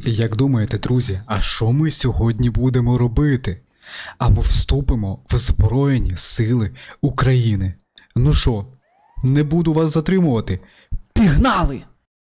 Як думаєте, друзі, а що ми сьогодні будемо робити? А ми вступимо в Збройні Сили України. Ну що, не буду вас затримувати. Пігнали!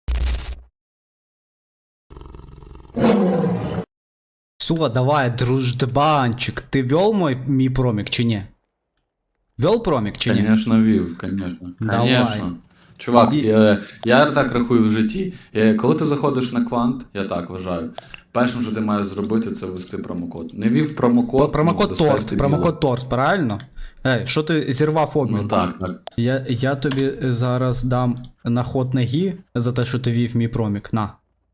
Все, давай, дружбанчик, ти вел мій промік чи ні? Вел промік чи ні? Конечно, вів, конечно. Давай. Конечно. Чувак, я так рахую в житті. Коли ти заходиш на квант, я так вважаю, першим, що ти маєш зробити, це ввести промокод. Не ввів промокод, Промокод ну, торт, промокод торт, правильно? Ей, що ти зірвав обмін? Ну так, так. Я тобі зараз дам на ход ноги за те, що ти вів мій промік. На.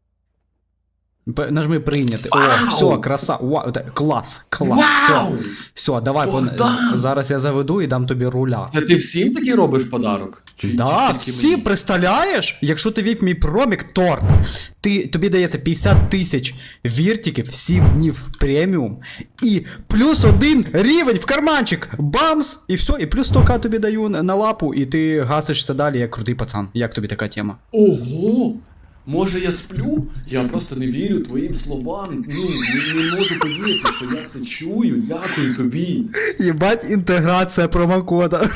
Нажми прийняти. О, все, краса. Вау, клас, клас. Вау! Все, давай, зараз я заведу і дам тобі руля. Це ти всім такий робиш подарок? Да, всі, представляєш? Якщо ти вів мій промік торт, тобі дається 50 тисяч віртиків, 7 днів преміум, і плюс 1 рівень в карманчик, бамс, і все, і плюс 100к тобі даю на лапу, і ти гасишся далі, як крутий пацан. Як тобі така тема? Ого! Може я сплю? Я просто не вірю твоїм словам. Ну, не можу повірити, що я це чую. Дякую тобі. Єбать, інтеграція промокода.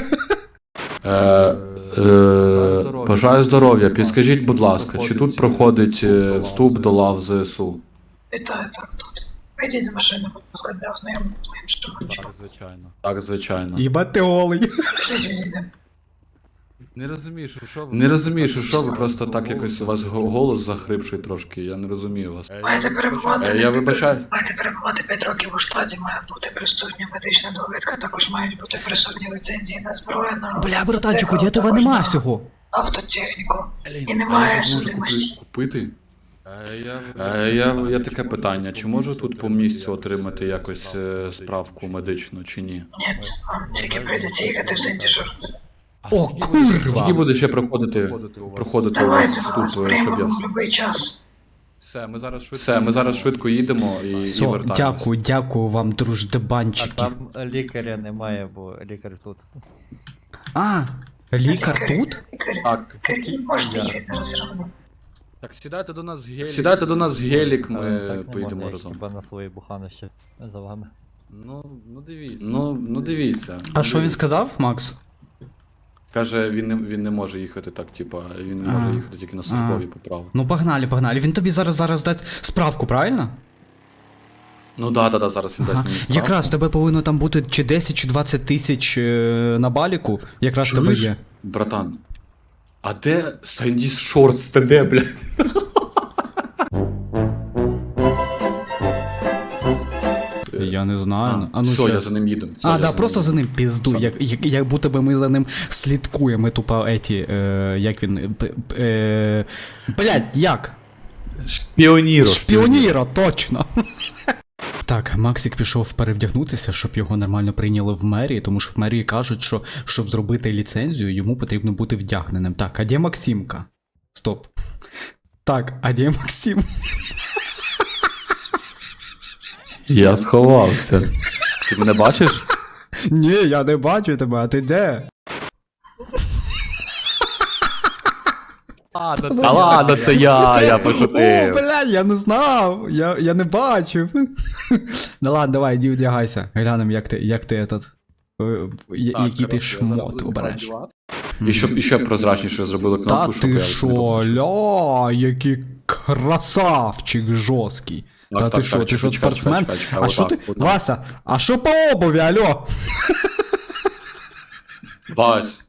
Бажаю здоров'я. Підскажіть, будь ласка, чи тут проходить вступ до лав ЗСУ? Вітаю, так, тут. Вийдіть з машини, будь ласка, для ознайомлення з моїм штурманчиком. Звичайно. Так, звичайно. Єбать, ти голий. Пішліть, відійдемо. Не розумієш, що ви... Не розумію, що ви просто так якось у вас голос захрипший трошки, я не розумію вас. Маєте перебувати. Я вибачаю. Маєте перебувати 5 років у штаті, має бути присутня медична довідка, також мають бути присутні ліцензії на зброю, на Бля, братанчику, мотоцикл, я тебе також нема на всього. автотехніку. І А немає я зможу судимості. купити? Я таке питання, чи можу тут по місцю отримати якось справку медичну, чи ні? Ні, вам тільки прийдеться їхати в Сент-Шорт. О, Скільки курва! буде ще проходити у вас Давайте, вступ, вас щоб приймемо я... в будь-який час. Все, Ми зараз швидко їдемо і Все, вертаємось. дякую вам, А друждебанчики. там лікаря немає, бо лікар тут. А, лікар тут? Так. Можете їхати зараз все одно. Так, сідайте до нас в гелі. Сідайте до нас в гелік, ми Так не поїдемо можна, разом. хіба на свої буханище за вами. Ну дивіться. Ну дивіться. А що він сказав, Макс? Каже, він не може їхати так, типа, він не може їхати тільки на службові поправи. Ну погнали, погнали. Він тобі зараз дасть справку, правильно? Ну да, зараз він дасть мені справку. Якраз тебе повинно там бути чи 10, чи 20 тисяч на баліку. Якраз тебе Чуєш, є. братан, а де Сенді Шортс, це де, блядь? Я не знаю. Все, я за ним їду. Все, А, я да, за просто ним за ним пізду. Все. Як будто би ми за ним слідкуємо. Ми тупо як він. Блять, як? Шпіоніро. Шпіоніро, точно. Так, Максик пішов перевдягнутися, щоб його нормально прийняли в мерії, тому що в мерії кажуть, що щоб зробити ліцензію, йому потрібно бути вдягненим. Так, а де Максимка? Стоп. Так, а де Максим? Я сховався. Ти мене бачиш? Ні, я не бачу тебе, а ти де? Та ладно, це я О, бля, я не знав, я не бачив. Ну ладно, давай, іди вдягайся. Глянем, як ти этот, який ти шмот обереш. І ще прозрачніше зробили Та кнопку, щоб ти я шо, не побачив. ля, який красавчик жорсткий. Так, Та так, ти що, так, ти що, чекай, спортсмен? чекай, чекай, А що ти, отак. Вася, а що по обуві, алло? Вась.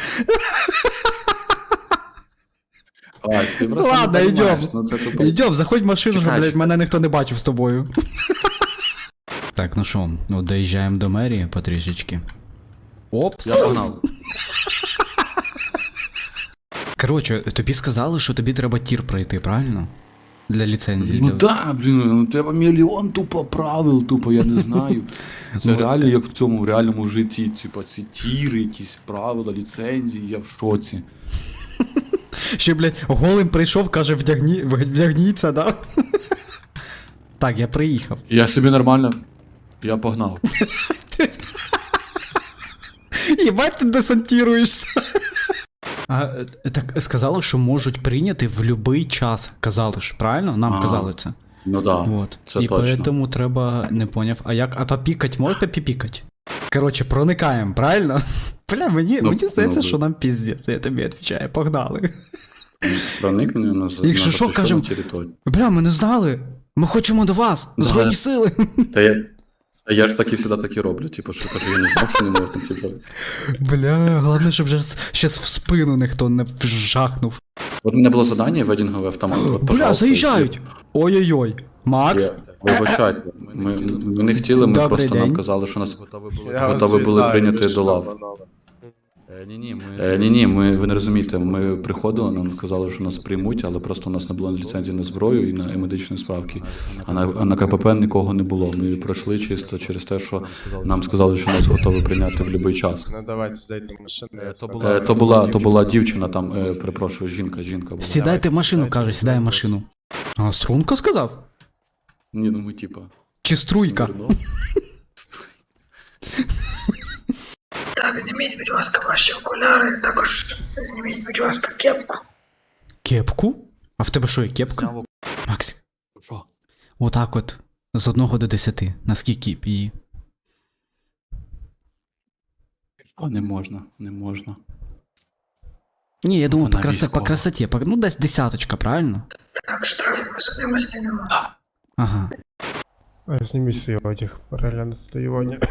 Вась, ти просто Ладно, не йдем. розумієш, ну це тупо. Йдем, заходь в машину, Чекай, блядь, чекай. мене ніхто не бачив з тобою. Так, ну що, ну доїжджаємо до мерії потрішечки. Опс. Я погнав. Коротше, тобі сказали, що тобі треба тір пройти, правильно? Для ліцензії. Ну для... да, блін, ну треба мільйон тупо правил, тупо, я не знаю. Це реально як в цьому в реальному житті, типа ці тіри, якісь правила, ліцензії, я в шоці. Ще, блядь, голим прийшов, каже, вдягніться, да? Так, я приїхав. Я собі нормально. Я погнав. Єбать, ти десантіруєшся. Так сказали, що можуть прийняти в будь-який час. Казали ж, правильно? Нам Ага. казали це. Ну да, Вот. це І точно. поэтому треба, не поняв. А як, а попікать можете попікать? Коротше, проникаємо, правильно? Бля, мені здається, ну, що нам піздець, я тобі відповідаю, погнали. Проникнення на Якщо що, кажем, територію. Бля, ми не знали. Ми хочемо до вас. Да. Збройні сили. Я ж так і завжди так і роблю, типу, що кажу, я не знав, що не можна, типу. Бля, головне, щоб вже щас в спину ніхто не вжахнув. От у мене було завдання ведінговий автомат. От, Бля, пожалуйста, заїжджають! Ой-ой-ой. Макс? Вибачайте, ми не хотіли, ми Добрий просто нам день. казали, що нас Я готові були прийняти до лав. Ні, Ні, ви не розумієте, ми приходили, нам казали, що нас приймуть, але просто у нас не було ліцензії на зброю і на медичні справки. А на КПП нікого не було. Ми пройшли чисто через те, що нам сказали, що нас готові прийняти в будь-який час. Ну давайте здайте машину. я То була дівчина там, перепрошую, жінка була. Сідайте в машину, каже, сідай в машину. А, струнка сказав? Ні, ну ми типа. Чи струйка? Смирно. Так, зніміть, будь ласка, ваші окуляри, також зніміть, будь ласка, кепку. Кепку? А в тебе що, є кепка? Максик. Що? Отак от. З 1 до 10. Наскільки б її? Не можна, не можна. Ні, я думаю, Вона по військова. красоті. Ну, десь десяточка, правильно? Так, штрафів по судимості немає. Ага. Зніміть свій одяг, переглянути татуювання.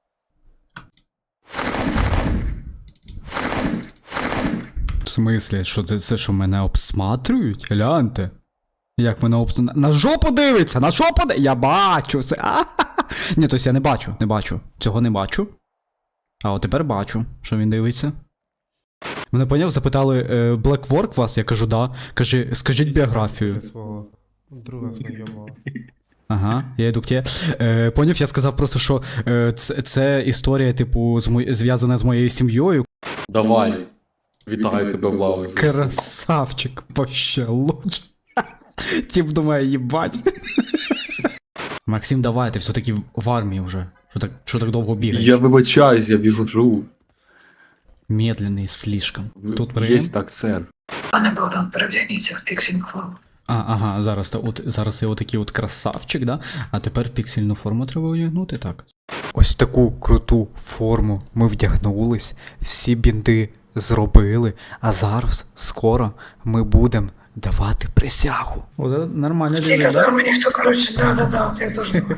В смислі, що це що мене обсматрюють? Гляньте. Як мене на жопу дивиться, на жопу дивиться. Я бачу це. Ні, тобто я не бачу. Цього не бачу. А от тепер бачу, що він дивиться. Мене поняв, запитали, Black Work вас? Я кажу, да. Каже, скажіть біографію. Свого друга знайомого. Ага, я йду к тебе. Поняв, я сказав просто, що це історія, типу, зв'язана з моєю сім'єю. Давай. Вітаю тебе в лаві. Красавчик, вообще лучше. Тип думає, їбать. Максим, давай, ти все-таки в армії вже. Що так довго бігаєш? Я вибачаюсь, я біжу. Медленний слишком. Тут Є приєм? так, сер. Пане Богдан, перевдягніться в піксінг форму. Ага, зараз я отакий от красавчик, да? А тепер піксельну форму треба одягнути, так. Ось таку круту форму ми вдягнулись, всі бінти зробили, а зараз, скоро, ми будемо давати присягу. О, це нормально. В цій казармі ніхто, коротше, да, це я теж думаю.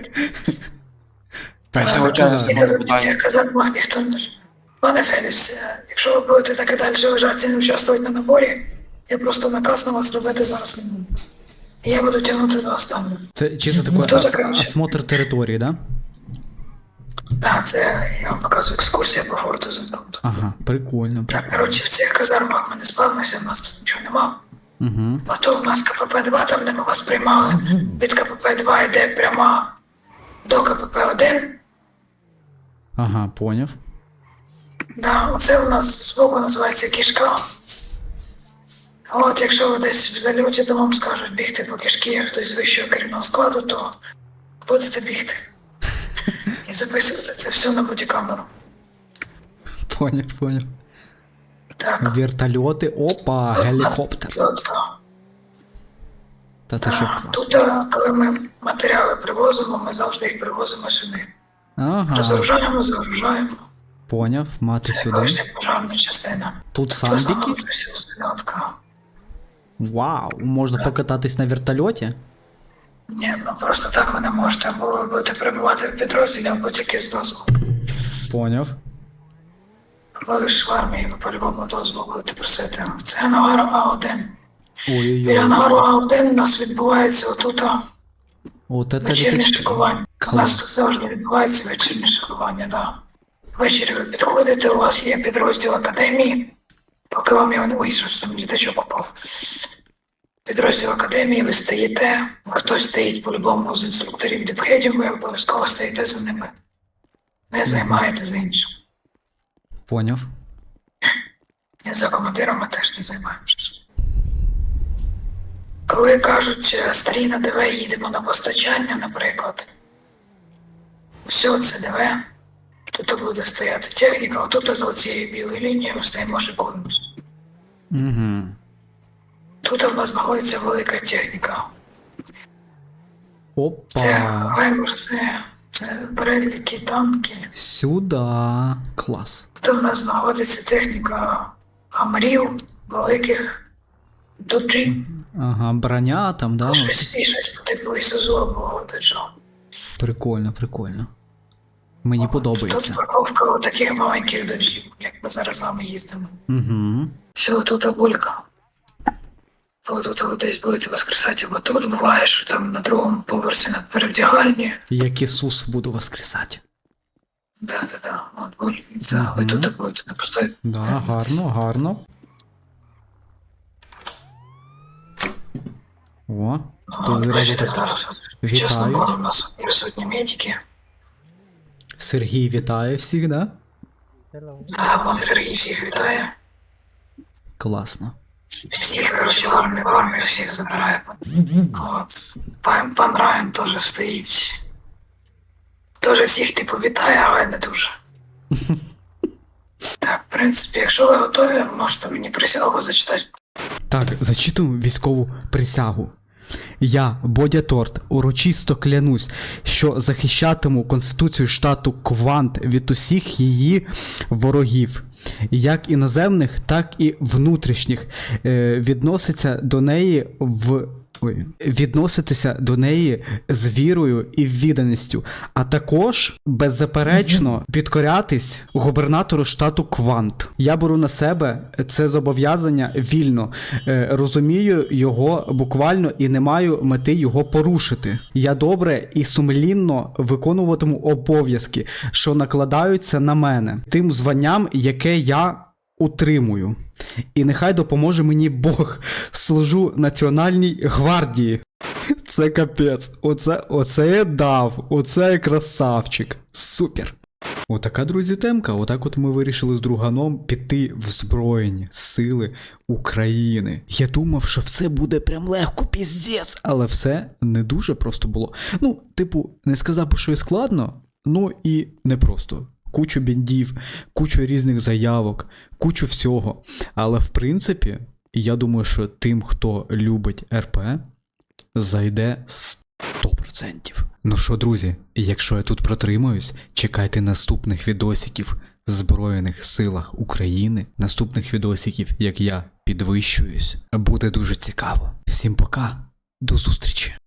В цих казармах ніхто не... Пане Феліс, якщо ви будете так і далі лежати і не участвувати на наборі, я просто наказ на вас робити зараз не буду. І я буду тягнути до останнього. Це чисто такий Хто це, коротше? осмотр території, да? Так, це я вам показую екскурсія по форту Зенкаунту. Ага, прикольно. Так, коротше, в цих казармах ми не спавнимося, в нас тут нічого нема. Угу. Потім у нас КПП-2, там де ми вас приймали. Від КПП-2 йде пряма до КПП-1. Ага, поняв. Да, оце у нас збоку називається кішка. От, якщо ви десь в зальоті, то вам скажуть бігти по кишки, як хтось з вищого керівного складу, то будете бігти. І записувати це все на бодікамеру. Поняв. Так. Вертольоти, опа, От у нас гелікоптер. чітко. Та ти що клас. Тут, коли ми матеріали привозимо, ми завжди їх привозимо сюди. Ага, Розгружаємо. поняв, мати сюди. Колишня пожарна частина. Тут В основному сандики. це все зльотка. Вау, можна покататись на вертольоті? Ні, ну просто так ви не можете, або ви будете перебувати в підрозділі, або тільки з дозволу. Поняв. Ви ж в армії, ви по-любому дозволу будете просити. Це ангар А1. Біля Ой-ой-ой. ангару А1 у нас відбувається отут От це вечірнє літачки. шикування. У нас тут завжди відбувається вечірнє шикування, так. Ввечері ви підходите, у вас є підрозділ академії, поки вам його не вийшов, там літачок попав. Підрозділ академії, ви стоїте, хтось стоїть по-любому з інструкторів діпхедів, ви обов'язково стоїте за ними. Не займаєте за іншим. Поняв. І за командирами теж не займаємося. Коли кажуть, старі на ДВ їдемо на постачання, наприклад, все це ДВ, тут буде стояти техніка, отут за цією білою лінією ми стоїмо шикуємося. Угу. Тут у нас знаходиться велика техніка. Це Опа. хаймерси, це бредліки, танки. Сюда. Клас. Тут у нас знаходиться техніка хамарів, великих доджі. Ага, броня там, да? Щось по типу Ісузу або доджо. Прикольно, прикольно. Мені Тут подобається. парковка у таких маленьких доджів, як ми зараз з вами їздимо. Угу. Все, тут булька. Коли тут ви десь будете воскресати, або тут буває, що там на другому поверсі над перевдягальні. Як Ісус буду воскресати. Да. От бульниця, ви тут будете не пустой. Да, гарно, гарно. О, тут Бачите, відразу зараз під час вітають. набору у нас присутні медики. Сергій вітає всіх, да? А пан Сергій всіх вітає. Класно. Всіх, коротше, в армію всіх забирає. От. Пан Райан теж стоїть. Теж всіх, типу, вітає, але не дуже. Так, в принципі, якщо ви готові, можете мені присягу зачитати. Так, зачитую військову присягу. Я, Бодя Торт, урочисто клянусь, що захищатиму Конституцію штату Квант від усіх її ворогів, як іноземних, так і внутрішніх, відноситися до неї з вірою і відданістю, а також беззаперечно підкорятись губернатору штату Квант. Я беру на себе це зобов'язання вільно, розумію його буквально і не маю мети його порушити. Я добре і сумлінно виконуватиму обов'язки, що накладаються на мене, тим званням, яке я утримую. І нехай допоможе мені Бог. Служу Національній гвардії. Це капець. Оце я дав. Оце я красавчик. Супер. Отака, друзі, темка. Отак от ми вирішили з друганом піти в Збройні Сили України. Я думав, що все буде прям легко, піздець, але все не дуже просто було. Ну, типу, не сказав би, що і складно, ну і не просто. Кучу біндів, кучу різних заявок, кучу всього. Але в принципі, я думаю, що тим, хто любить РП, зайде 100%. Ну що, друзі, якщо я тут протримаюсь, чекайте наступних відосиків в Збройних Силах України, наступних відосиків, як я підвищуюсь. Буде дуже цікаво. Всім пока, до зустрічі.